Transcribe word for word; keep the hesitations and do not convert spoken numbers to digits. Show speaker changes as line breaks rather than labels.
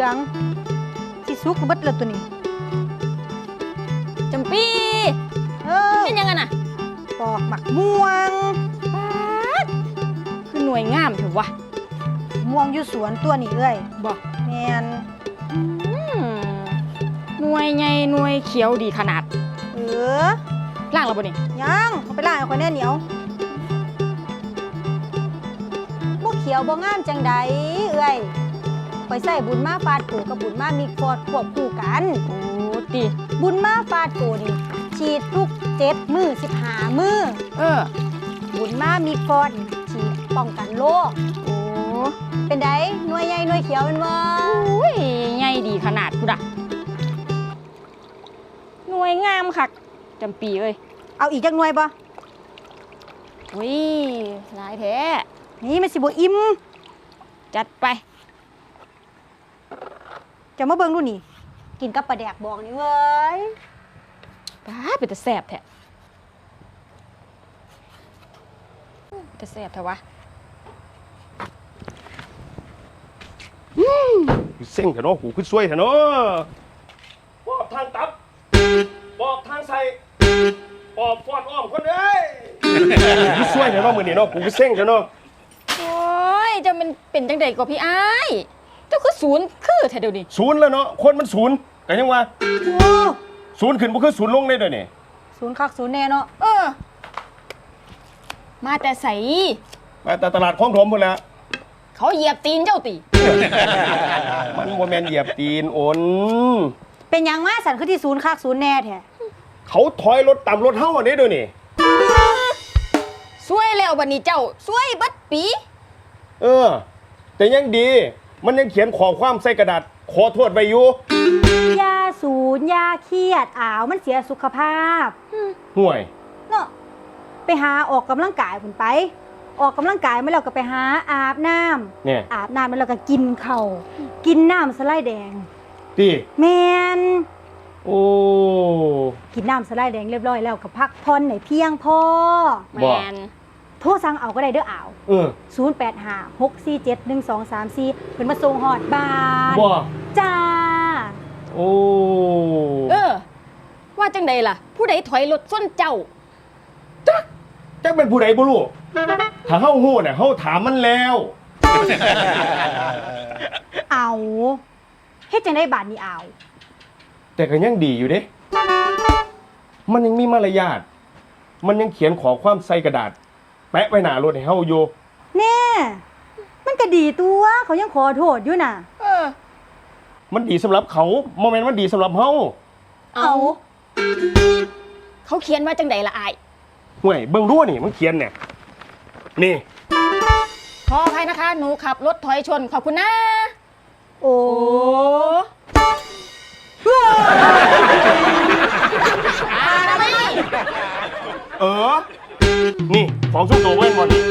องสิสุกเบิดแล้วตัวนี้
จำปี
เออ
เป็นยังไงน่ะ
ปอกหมักม่วง
ป๊าดคือหน่วยงามเถอะวะ
ม่วงอยู่สวนตัวนี้เอ้ย
บอก
แมน
หน่วยใหญ่หน่วยเขียวดีขนาด
เออ
ล่างแล้วบ่นี่
ยังเอาไปล้างเอาคนแน่เหนียวบ่เขียวบ่งามจังใดเอ้ยไปใส่บุญมาฟาดโกกับบุญมามีฟอดควบคู่กัน
โอ้ติ
บุญมาฟาดโกนี่ฉีดทุกเจ็ดมือสิบห้ามือ
เออ
บุญมามีฟอดฉีดป้องกันโรค
โอ้
เป็นไดหน่วยใหญ่หน่วยเขียวเป็นบ่
อุ้ยใหญ่ดีขนาดกูด่ะหน่วยงามคักจำปีเอ้ย
เอาอีกจักหน่วยบ่
อุ้ยหลายแท้
นี่มันสิบ่อิ่ม
จัดไป
จะมาเบิ่งดูนี่กินกับปลาแดกบองนี่เว้ย
ป้าเป็นแต่แซ่บแท้แต่แซ่บแท้วะ
เส้นเถอะเนาะหูขึ้นช่วยเถอะเนาะปอบทางตับปอบทางใส่ปอบฟอดอ้อมคนเอ้ยหูช่วยเถอะเนาะมือนี่เนาะหูขึ้นเส้นเถอะเนาะ
โอ้ยจะมันเป็นจังใดกว่าพี่อ้ายเจ้าคือศูนย์คือแท้เดี๋ยวนี้
ศูนย์แล้วเนาะคนมันศูนย์แต่ยังว่า
โอ้
ศูนย์ขึ้นบ่คือศูนย์ลงได้ด้วยนี่
ศูนย์คักศูนย์แน่เนาะ
เออมาแต่ใส
มาแต่ตลาดคลองถมพุ่นแหละ
เขาเหยียบตีนเจ้าตี
มันบ่แม่นเหยียบตีนโอน
เป็นหยังมาสั่นคือที่ศูนย์คักศูนย์แน่แท้
เขาถอยรถต่ำรถเฮาอันนี้ด้วยนี่
สวยแล้วบัดนี้เจ้าสวยบัดปี
เออแต่ยังดีมันยังเขียนขอความใส่กระดาษขอโทษไว้อยู่
ยาศูนย์ยาเครียดอ้าวมันเสียสุขภาพ
ห่วย
เนาะไปหาออกกำลังกายพุ่นไปออกกำลังกายมาแล้วก็ไปหาอาบน้ำ
เนี่ย
อาบน้ำมาแล้วก็กินข้าวกินน้ำสไลด์แดง
ติ
แมน
โอ้
กินน้ำสไลด์แดงเรียบร้อยแล้วก็พักผ่อนให้เพียงพอ
แมน
โทรสั่งเอาก็ได้เด้ออ่าว
เออ
ศูนย์ แปด ห้า หก สี่ เจ็ด หนึ่ง สอง สาม สี่เพิ่นมาส่งฮอดบ้าน
บ่
จ้า
โอ้
เออว่าจังใดล่ะผู้ใดถอยรถส้นเจ้า
จักจักเป็นผู้ใดบ่รู้ถ้าเฮาฮู้น่ะเฮาถามมันแล้ว
เอาเฮ็ดจังได๋บาดนี้เอา
แต่ก็ยังดีอยู่เด้มันยังมีมารยาทมันยังเขียนขอความใส่กระดาษแปะไว้หน้ารถให้เฮาอยู่
แน่มันก็ดีตัวเขายังขอโทษอยู่น่ะ
เออ
มันดีสำหรับเขาโมเมนต์มันดีสำหรับเฮา
เอา
เขาเขียนว่าจังใดล่ะอ้าย
ห่วยเบิ่งดูนี่มันเขียนเนี่ยนี่
ขออภัยนะคะหนูขับรถถอยชนขอบคุณนะ
โอ้
อะไร
เออนี่ของชุบตัวเว้นบอลนี่